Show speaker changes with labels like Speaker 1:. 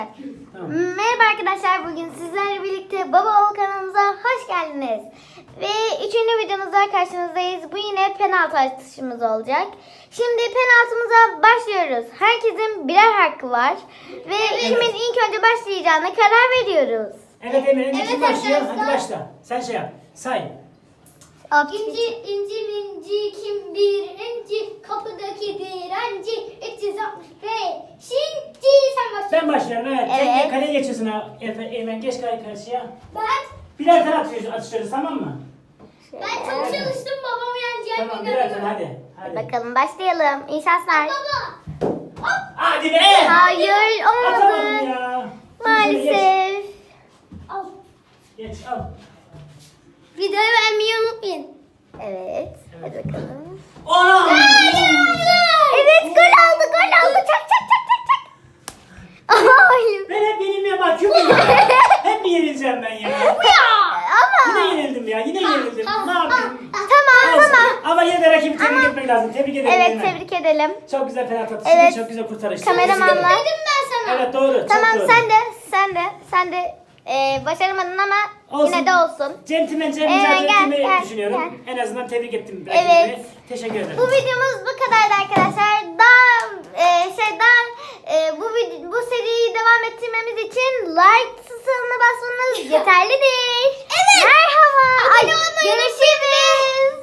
Speaker 1: Tamam.
Speaker 2: Merhaba arkadaşlar, bugün sizlerle birlikte Baba Oğul kanalımıza hoş geldiniz. Ve 3. videomuzda karşınızdayız. Bu yine penaltı atışımız olacak. Şimdi penaltımıza başlıyoruz. Herkesin birer hakkı var. Ve kimin ilk önce başlayacağına karar veriyoruz.
Speaker 1: Evet Emre, önce
Speaker 3: Evet
Speaker 1: kim başlıyor?
Speaker 3: arkadaşlar.
Speaker 1: Hadi başla. Sen şey yap. Say.
Speaker 3: İnci minci kim birinci kapıdaki direnci 365 şimdi sen başla.
Speaker 1: Ben başlıyorum evet.
Speaker 2: Evet.
Speaker 1: Sen kaleye geçiyorsun ha. Eymen geç karşıya.
Speaker 3: Ben
Speaker 1: Birer tane atışıyoruz tamam mı?
Speaker 3: çok çalıştım babamı yeneceğim.
Speaker 1: Tamam birer tane hadi.
Speaker 2: Bakalım başlayalım. İyi şanslar.
Speaker 3: Baba.
Speaker 1: Hadi be.
Speaker 2: Hayır,
Speaker 1: Atamadım
Speaker 2: olmadı.
Speaker 1: ya.
Speaker 2: Maalesef.
Speaker 3: Al.
Speaker 1: Geç al.
Speaker 3: Videoyu beğenmeyi unutmayın.
Speaker 2: Evet. Hadi bakalım.
Speaker 1: Anam.
Speaker 2: Evet, gol aldı. Çak çak çak çak çak. Hayır.
Speaker 1: Ben hep yenilmeye bakıyorum ya. Hep mi yenileceğim ben ya?
Speaker 2: Ama
Speaker 1: Yine yenildim ya. Yine yenildim. Ne yapayım?
Speaker 2: tamam.
Speaker 1: Olsun. Ama yine de rakibi tebrik etmek lazım. Tebrik ederim.
Speaker 2: Evet,
Speaker 1: Eymen.
Speaker 2: tebrik edelim.
Speaker 1: Çok güzel penaltı atışı.
Speaker 2: Evet.
Speaker 1: Çok güzel kurtarış.
Speaker 2: Kameramanlar.
Speaker 3: Dedim ben sana.
Speaker 1: Evet doğru.
Speaker 2: Tamam,
Speaker 1: çok doğru.
Speaker 2: sen de başaramadın ama
Speaker 1: Olsun.
Speaker 2: yine de olsun.
Speaker 1: Centilmence
Speaker 2: Gel,
Speaker 1: mücadele ettiğimi
Speaker 2: gel.
Speaker 1: düşünüyorum. En azından tebrik ettim.
Speaker 2: Evet.
Speaker 1: rakibimi. Teşekkür ederim.
Speaker 2: Bu videomuz bu kadardı arkadaşlar. Bu seriyi devam ettirmemiz için like tuşuna basmanız yeterlidir.
Speaker 3: Evet.
Speaker 2: Merhaba.
Speaker 3: Abone olmayı
Speaker 2: Görüşürüz.